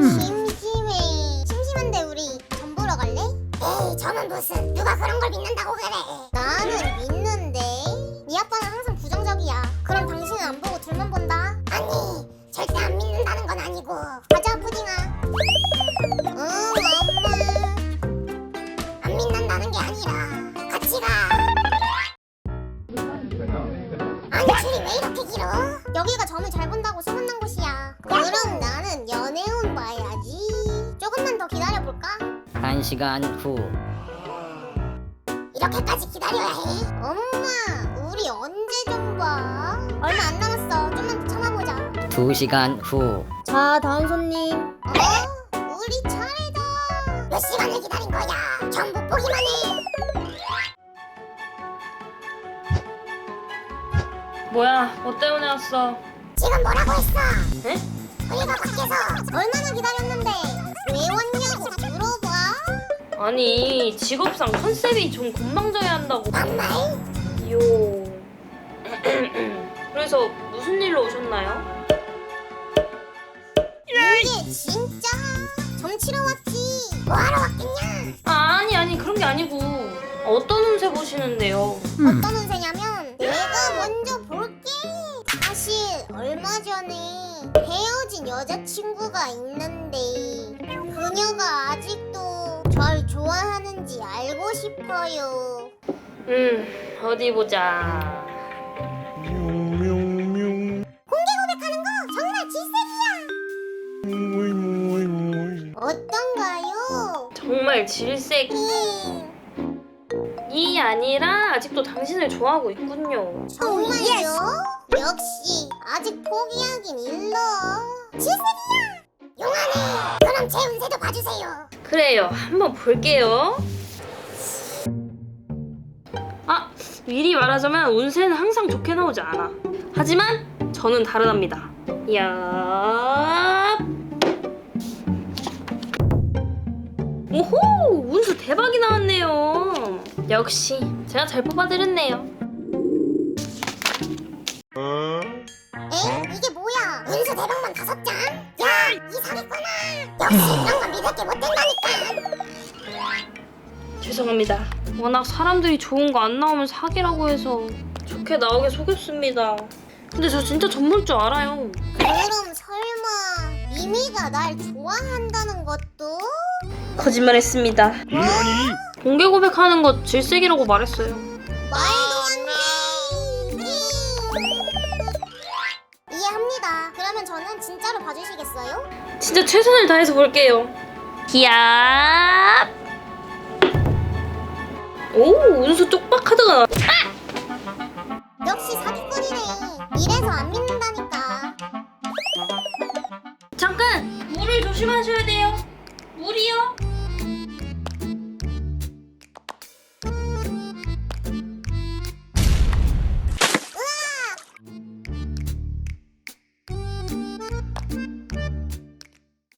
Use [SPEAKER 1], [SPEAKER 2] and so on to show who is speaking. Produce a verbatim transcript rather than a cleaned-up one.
[SPEAKER 1] 심심해. 심심한데 우리 전 보러 갈래?
[SPEAKER 2] 에이 저는 무슨 누가 그런 걸 믿는다고 그래.
[SPEAKER 1] 나는 믿는데. 네 아빠는 항상 부정적이야. 그럼 당신은 안 보고 둘만 본다.
[SPEAKER 2] 아니 절대 안 믿는다는 건 아니고.
[SPEAKER 1] 가자 푸딩아. 응 엄마.
[SPEAKER 2] 안 믿는다는 게 아니라 같이 가. 아니 줄이 왜 이렇게 길어?
[SPEAKER 1] 여기가 점을 잘 본다고 소문난 곳이야. 그럼 나는 연애운 봐야지. 조금만 더 기다려볼까?
[SPEAKER 3] 한 시간 후.
[SPEAKER 2] 이렇게까지 기다려야 해?
[SPEAKER 1] 엄마 우리 언제 좀 봐. 얼마 안 남았어. 좀만 더 참아보자.
[SPEAKER 3] 두 시간 후.
[SPEAKER 1] 자 다음 손님. 어? 우리 차례다.
[SPEAKER 2] 몇 시간을 기다린 거야? 전 못 보기만 해.
[SPEAKER 4] 뭐야? 뭐 때문에 왔어?
[SPEAKER 2] 지금 뭐라고 했어?
[SPEAKER 4] 에?
[SPEAKER 2] 우리가 밖에서
[SPEAKER 1] 얼마나 기다렸는데 왜 왔냐고 물어봐.
[SPEAKER 4] 아니 직업상 컨셉이 좀 건방져야 한다고.
[SPEAKER 2] 반말?
[SPEAKER 4] 요. 그래서 무슨 일로 오셨나요?
[SPEAKER 1] 이게 진짜 점 치러 왔지.
[SPEAKER 2] 뭐하러 왔겠냐?
[SPEAKER 4] 아, 아니 아니 그런 게 아니고 어떤 운세 보시는데요?
[SPEAKER 1] 어떤 운세냐면 내가 먼저 볼게. 사실 얼마 전에 헤어진 여자친구가 있는데 그녀가 아직도 절 좋아하는지 알고 싶어요.
[SPEAKER 4] 음 어디 보자.
[SPEAKER 1] 고백하는 거 정말 질색이야. 어떤가요?
[SPEAKER 4] 정말 질색이
[SPEAKER 1] 음,
[SPEAKER 4] 아니라 아직도 당신을 좋아하고 있군요.
[SPEAKER 1] 정말요? 역시 아직 포기하긴 일러. 질색이야.
[SPEAKER 2] 용하네. 그럼 제 운세도 봐주세요.
[SPEAKER 4] 그래요. 한번 볼게요. 아, 미리 말하자면 운세는 항상 좋게 나오지 않아. 하지만 저는 다르답니다. 야. 오호! 운수 대박이 나왔네요. 역시 제가 잘 뽑아드렸네요.
[SPEAKER 1] 에? 이게 뭐야?
[SPEAKER 2] 운수 대박만 다섯 장? 야, 이 사기꾼아. 역시 이런 건 믿을 게 못 된다니까.
[SPEAKER 4] 죄송합니다. 워낙 사람들이 좋은 거 안 나오면 사기라고 해서 좋게 나오게 속였습니다. 근데 저 진짜 전 볼 줄 알아요.
[SPEAKER 1] 그럼 설마 미미가 날 좋아한다는 것도?
[SPEAKER 4] 거짓말했습니다. 공개 고백하는 거 질색이라고 말했어요.
[SPEAKER 1] 말도 안 돼. 이해합니다. 그러면 저는 진짜로 봐주시겠어요?
[SPEAKER 4] 진짜 최선을 다해서 볼게요. 기압. 오, 운수 쪽박하다가 나.
[SPEAKER 1] 역시 사기꾼이네. 이래서 안 믿는다니까.
[SPEAKER 4] 잠깐! 물을 조심하셔야 돼요. 물이요?